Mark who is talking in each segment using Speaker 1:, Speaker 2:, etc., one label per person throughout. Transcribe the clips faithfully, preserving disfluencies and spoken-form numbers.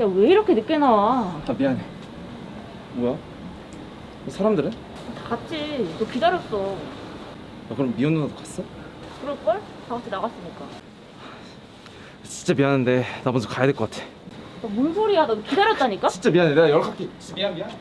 Speaker 1: 야, 왜 이렇게 늦게 나와?
Speaker 2: 아 미안해. 뭐야? 사람들은?
Speaker 1: 다 갔지. 너 기다렸어.
Speaker 2: 아, 그럼 미혼 누나도 갔어?
Speaker 1: 그럴걸? 다 같이 나갔으니까.
Speaker 2: 진짜 미안한데 나 먼저 가야 될 것 같아.
Speaker 1: 너 뭔 소리야? 너 기다렸다니까?
Speaker 2: 진짜 미안해. 내가 연락할게. 진짜 미안 미안.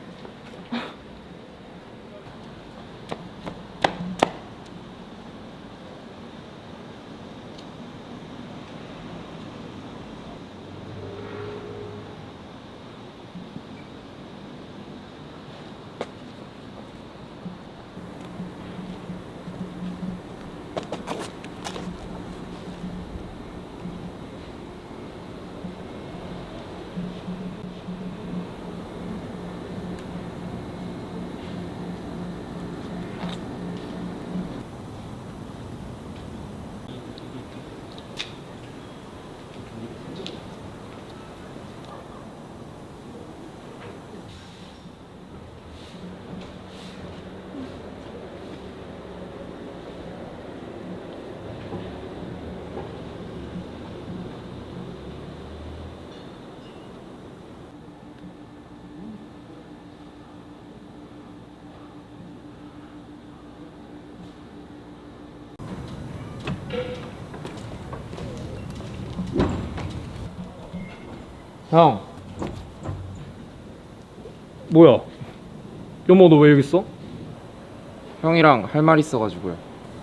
Speaker 3: 형. 뭐야? 여보 너 왜 여기 있어?
Speaker 2: 형이랑 할 말 있어가지고요.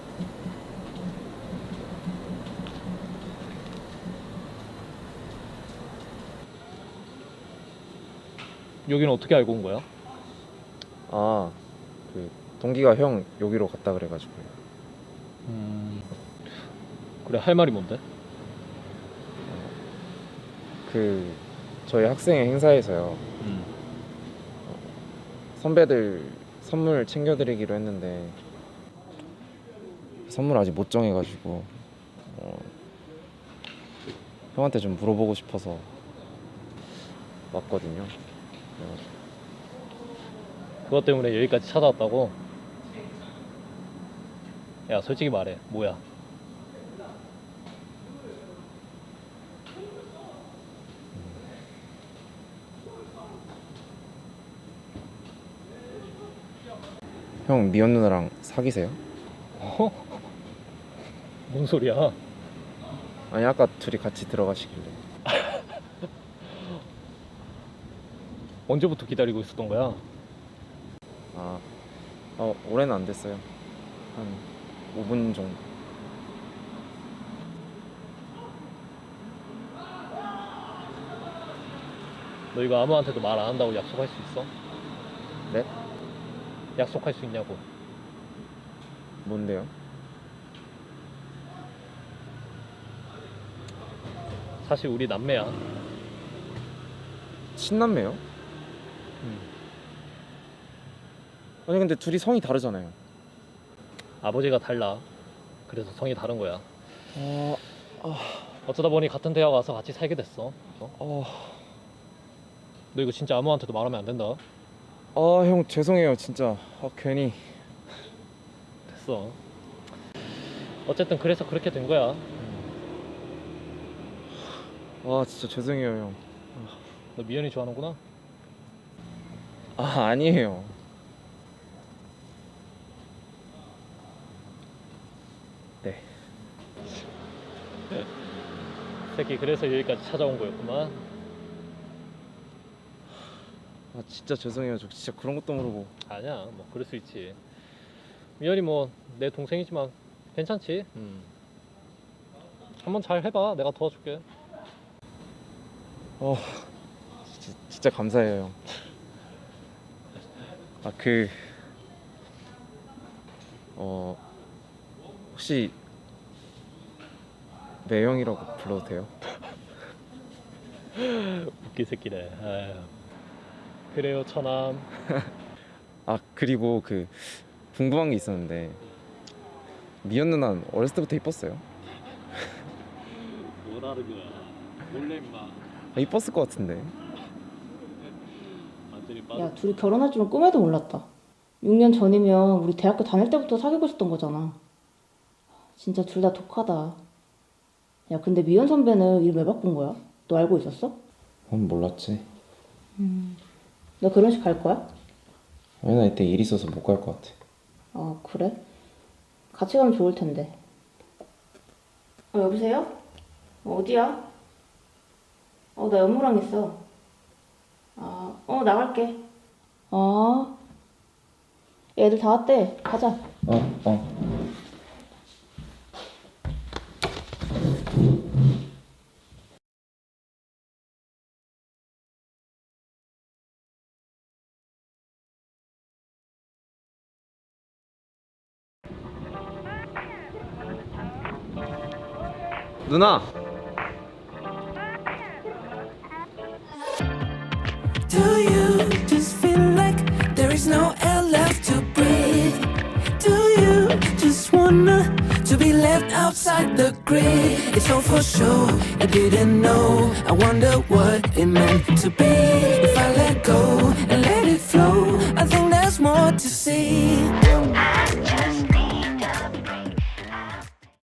Speaker 3: 여기는 어떻게 알고 온 거야?
Speaker 2: 아, 그 동기가 형 여기로 갔다 그래가지고요.
Speaker 3: 음... 그래 할 말이 뭔데?
Speaker 2: 그 저희 학생회 행사에서요.
Speaker 3: 음.
Speaker 2: 선배들 선물 챙겨드리기로 했는데 선물 아직 못 정해가지고 어, 형한테 좀 물어보고 싶어서 왔거든요. 그래가지고.
Speaker 3: 그것 때문에 여기까지 찾아왔다고? 야 솔직히 말해 뭐야?
Speaker 2: 형 미연 누나랑 사귀세요?
Speaker 3: 어? 뭔 소리야?
Speaker 2: 아니 아까 둘이 같이 들어가시길래.
Speaker 3: 언제부터 기다리고 있었던 거야?
Speaker 2: 아, 어, 올해는 안 됐어요. 한 오 분 정도.
Speaker 3: 너 이거 아무한테도 말 안 한다고 약속할 수 있어?
Speaker 2: 네?
Speaker 3: 약속할 수 있냐고.
Speaker 2: 뭔데요?
Speaker 3: 사실 우리 남매야.
Speaker 2: 친남매요?
Speaker 3: 음.
Speaker 2: 아니 근데 둘이 성이 다르잖아요.
Speaker 3: 아버지가 달라. 그래서 성이 다른 거야.
Speaker 2: 아,
Speaker 3: 어쩌다 보니 같은 대학 와서 같이 살게 됐어. 어?
Speaker 2: 어,
Speaker 3: 너 이거 진짜 아무한테도 말하면 안 된다.
Speaker 2: 아, 형 죄송해요 진짜. 아, 괜히.
Speaker 3: 됐어. 어쨌든 그래서 그렇게 된 거야.
Speaker 2: 아, 진짜 죄송해요 형.
Speaker 3: 너 미연이 좋아하는구나.
Speaker 2: 아, 아니에요. 네.
Speaker 3: 새끼 그래서 여기까지 찾아온 거였구만.
Speaker 2: 아, 진짜 죄송해요. 저 진짜 그런 것도 모르고.
Speaker 3: 아니야 뭐 그럴 수 있지. 미연이 뭐 내 동생이지만 괜찮지. 음. 한번 잘 해봐. 내가 도와줄게.
Speaker 2: 어, 진짜, 진짜 감사해요 형. 아, 그, 어, 혹시 매형이라고 불러도 돼요?
Speaker 3: 웃기 새끼네. 아유. 그래요 처남.
Speaker 2: 아, 그리고 그 궁금한 게 있었는데 미연 누나는 어렸을 때부터 이뻤어요?
Speaker 3: 뭐라는 거야. 몰래 임마.
Speaker 2: 아, 이뻤을 것 같은데.
Speaker 3: 완전히 빠져.
Speaker 1: 야, 둘이 결혼할 줄은 꿈에도 몰랐다. 육 년 전이면 우리 대학교 다닐 때부터 사귀고 있었던 거잖아. 진짜 둘 다 독하다. 야, 근데 미연 선배는 일 왜 바꾼 거야? 너 알고 있었어?
Speaker 2: 넌 몰랐지.
Speaker 1: 너 결혼식 갈 거야?
Speaker 2: 아니 나 이때 일 있어서 못 갈 것 같아.
Speaker 1: 아, 그래? 같이 가면 좋을 텐데. 어, 여보세요? 어, 어디야? 어, 나 연무랑 있어. 아, 어, 나갈게. 아, 애들 다 왔대. 가자.
Speaker 2: 어 어. 누나.
Speaker 4: Do you just feel like there is no air left to breathe? Do you just wanna to be left outside the grid? It's all for sure, I didn't know. I wonder what it meant to be if I let go.